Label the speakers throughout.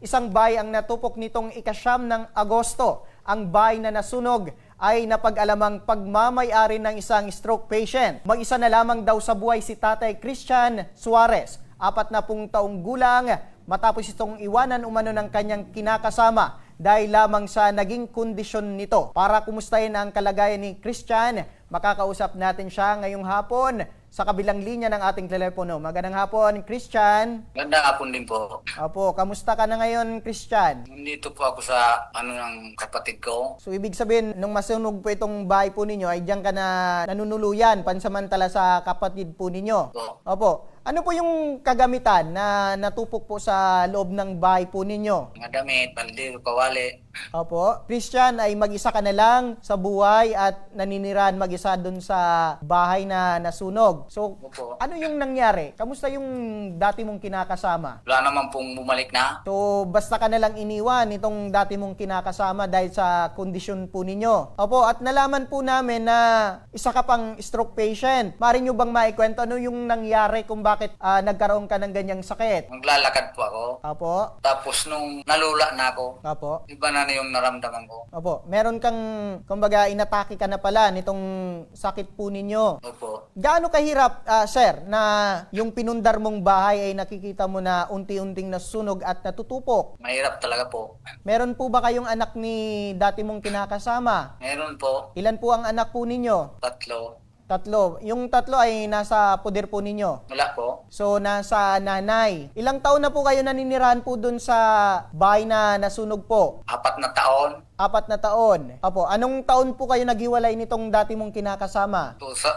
Speaker 1: isang bahay ang natupok nitong ika-9 ng Agosto. Ang bahay na nasunog ay napag-alamang pagmamay-ari ng isang stroke patient. Mag-isa na lamang daw sa buhay si Tatay Christian Suarez, 40 taong gulang, matapos itong iwanan umano ng kanyang kinakasama dahil lamang sa naging kondisyon nito. Para kumustahin ang kalagayan ni Christian, makakausap natin siya ngayong hapon sa kabilang linya ng ating telepono. Magandang hapon, Christian.
Speaker 2: Magandang hapon din po.
Speaker 1: Opo, kamusta ka na ngayon, Christian?
Speaker 2: Nandito po ako sa ng kapatid ko.
Speaker 1: So, ibig sabihin, nung masunog po itong bahay po ninyo, ay diyan ka na nanunuluyan pansamantala sa kapatid po ninyo. Opo. Ano po yung kagamitan na natupok po sa loob ng bahay po ninyo?
Speaker 2: Mga damit, balde, kawali.
Speaker 1: Opo. Christian, ay mag-isa ka na lang sa buhay at naninirahan mag-isa dun sa bahay na nasunog. So,
Speaker 2: Opo.
Speaker 1: ano yung nangyari? Kamusta yung dati mong kinakasama?
Speaker 2: Wala naman pong bumalik na.
Speaker 1: So, basta ka na lang iniwan itong dati mong kinakasama dahil sa kondisyon po ninyo. Opo, at nalaman po namin na isa ka pang stroke patient. Maaari nyo bang maikwento ano yung nangyari kung bakit nagkaroon ka ng ganyang sakit?
Speaker 2: Maglalakad po ako.
Speaker 1: Opo.
Speaker 2: Tapos nung nalula na ako,
Speaker 1: Opo.
Speaker 2: iba na yung naramdaman ko.
Speaker 1: Opo. Meron kang, kumbaga, inatake ka na pala nitong sakit po ninyo.
Speaker 2: Opo.
Speaker 1: Gaano kahirap, sir, na yung pinundar mong bahay ay nakikita mo na unti-unting nasunog at natutupok?
Speaker 2: Mahirap talaga po.
Speaker 1: Meron po ba kayong anak ni dati mong kinakasama?
Speaker 2: Meron po,
Speaker 1: Ilan po ang anak po ninyo?
Speaker 2: 3.
Speaker 1: 3. Yung 3 ay nasa poder po ninyo.
Speaker 2: Wala po.
Speaker 1: So, nasa nanay. Ilang taon na po kayo naninirahan po dun sa bahay na nasunog po?
Speaker 2: 4 na taon.
Speaker 1: 4 na taon. Apo, anong taon po kayo naghiwalay nitong dati mong kinakasama?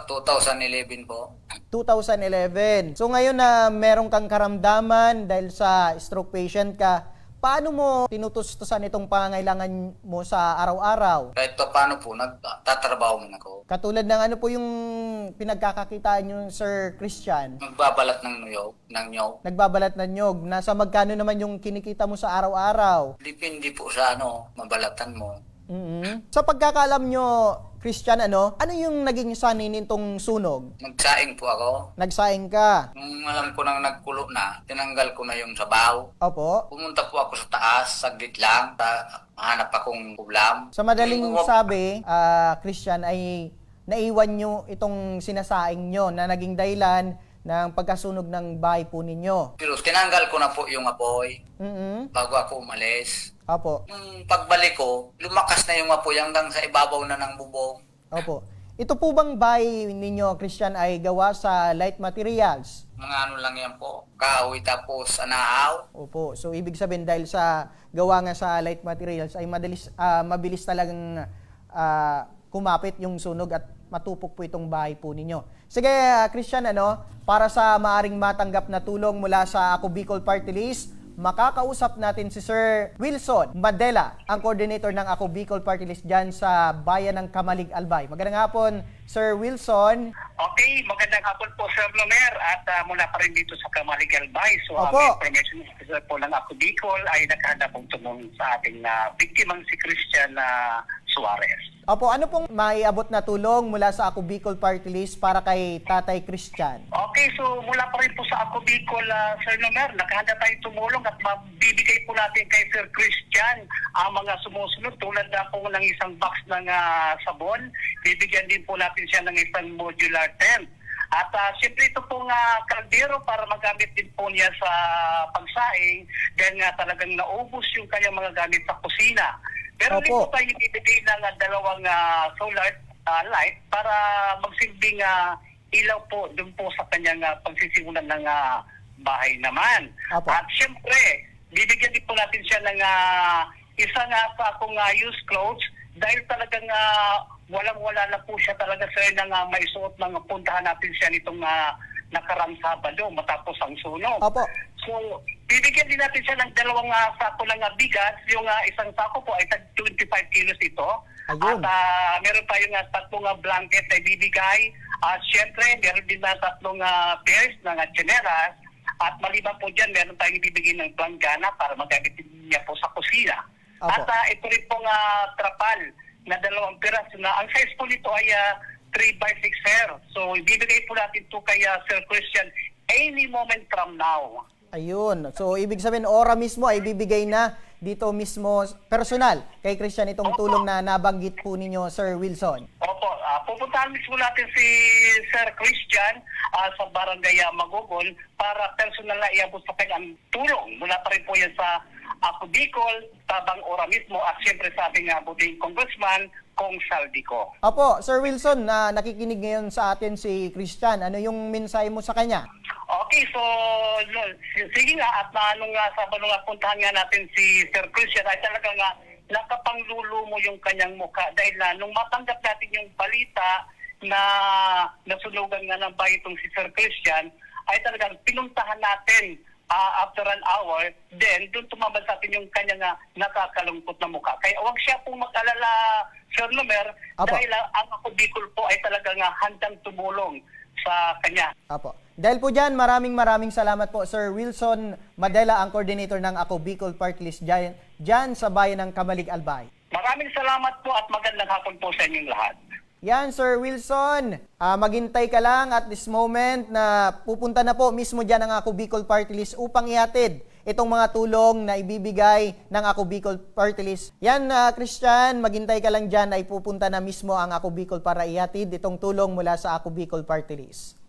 Speaker 2: 2011 po.
Speaker 1: 2011. So, ngayon na meron kang karamdaman dahil sa stroke patient ka, paano mo tinutustusan itong pangangailangan mo sa araw-araw?
Speaker 2: Kahit pa paano po, nagtatrabaho man ako.
Speaker 1: Katulad ng ano po yung pinagkakakitaan nyo, Sir Christian?
Speaker 2: Magbabalat ng nyog.
Speaker 1: Nagbabalat ng nyog. Nasa magkano naman yung kinikita mo sa araw-araw?
Speaker 2: Depende po sa mabalatan mo.
Speaker 1: Sa pagkakaalam nyo, Christian, ano yung naging sanhi nitong sunog?
Speaker 2: Nagsaing po ako.
Speaker 1: Nagsaing ka?
Speaker 2: Nung alam ko nang nagkulo na, tinanggal ko na yung sabaw.
Speaker 1: Opo.
Speaker 2: Pumunta po ako sa taas, saglit lang, hanap akong ulam.
Speaker 1: Sa madaling sabi, Christian, ay naiwan nyo itong sinasaing nyo na naging dahilan ng pagkasunog ng bahay po ninyo.
Speaker 2: Pero tinanggal ko na po yung apoy bago ako umalis.
Speaker 1: Opo.
Speaker 2: Nung pagbalik ko, lumakas na yung apoy hanggang sa ibabaw na ng bubong.
Speaker 1: Opo. Ito po bang bahay ninyo, Christian, ay gawa sa light materials?
Speaker 2: Mga lang yan po, kahoy tapos anaaw.
Speaker 1: Opo. So, ibig sabihin dahil sa gawa nga sa light materials ay mabilis talagang kumapit yung sunog at matupok po itong bahay po ninyo. Sige, Christian, para sa maaring matanggap na tulong mula sa Ako Bicol Party List, makakausap natin si Sir Wilson Madela, ang coordinator ng Ako Bicol Party List dyan sa bayan ng Kamalig, Albay. Magandang hapon, Sir Wilson.
Speaker 3: Okay, magandang hapon po, Sir Lomer, at mula pa rin dito sa Kamalig, Albay. So, ang
Speaker 1: Opo.
Speaker 3: information officer po ng Ako Bicol ay nakahanda pong tumulong sa ating biktimang si Christian Suarez.
Speaker 1: Opo, ano pong maiabot na tulong mula sa Ako Bicol Party List para kay Tatay Christian?
Speaker 3: Okay, so mula pa rin po sa Ako Bicol, Sir Lomer, nakahanda tayong tumulong at mabibigay po natin kay Sir Christian ang mga sumusunod tulad na po ng isang box ng sabon. Bibigyan din po natin siya ng isang modular tent. At siyempre ito pong kaldero para magamit din po niya sa pagsaing dahil nga talagang naubos yung kanyang mga gamit sa kusina. Pero hindi po tayo ibibigay ng dalawang solar light para magsilbing ilaw po doon po sa kanyang pagsisimulan ng bahay naman.
Speaker 1: Opo.
Speaker 3: At siyempre, bibigyan din po natin siya ng isang sakong used clothes dahil talagang walang-wala na po siya talaga sa nang maisuot ng puntahan natin siya nitong nakarang Sabado matapos ang sunog.
Speaker 1: Opo.
Speaker 3: So, bibigyan din natin siya ng dalawang sako ng bigas. Yung isang sako po ay 25 kilos ito.
Speaker 1: Ayun.
Speaker 3: At meron tayong 3 blanket na ibibigay. At syempre, meron din na 3 pairs ng tsinelas. At maliban po dyan, meron tayong ibibigay ng planggana para magamit niya po sa kusina.
Speaker 1: Opo.
Speaker 3: At ito rin pong trapal na 2 piras na ang size po nito ay 3x6 hair. So, ibibigay po natin ito kay Sir Christian any moment from now.
Speaker 1: Ayun. So, ibig sabihin, ora mismo ay bibigay na dito mismo personal kay Christian itong tulong na nabanggit po ninyo, Sir Wilson.
Speaker 3: Opo, pupuntahan mismo natin si Sir Christian sa Barangay Magogon para personal na iabot sa kanyang tulong. Mula pa rin po yan sa Ako Bicol, Tabang Ora mismo at siyempre sa ating buting Congressman, Kong Saldico.
Speaker 1: Opo, Sir Wilson, nakikinig ngayon sa atin si Christian. Ano yung mensahe mo sa kanya?
Speaker 3: Okay, so sige nga at nung puntahan nga natin si Sir Christian ay talaga nga nakapanglulumo mo yung kanyang mukha dahil nung matanggap natin yung balita na nasunugan nga ng bahay itong si Sir Christian ay talagang pinuntahan natin after an hour, then doon tumambal sa atin yung kanyang nakakalungkot na mukha. Kaya huwag siya pong mag-alala, Sir Nomer,
Speaker 1: Apo.
Speaker 3: dahil ang Ako Bicol po ay talagang handang tumulong sa kanya.
Speaker 1: Apo. Dahil po dyan, maraming salamat po, Sir Wilson Madela, ang coordinator ng Ako Bicol Party List dyan sa bayan ng Kamalig, Albay.
Speaker 3: Maraming salamat po at magandang hapon po sa inyong lahat.
Speaker 1: Yan, Sir Wilson. Maghintay ka lang at this moment na pupunta na po mismo dyan ang Ako Bicol Party List upang ihatid itong mga tulong na ibibigay ng Ako Bicol Party List. Yan, Christian, maghintay ka lang dyan ay pupunta na mismo ang Ako Bicol para ihatid itong tulong mula sa Ako Bicol Party List.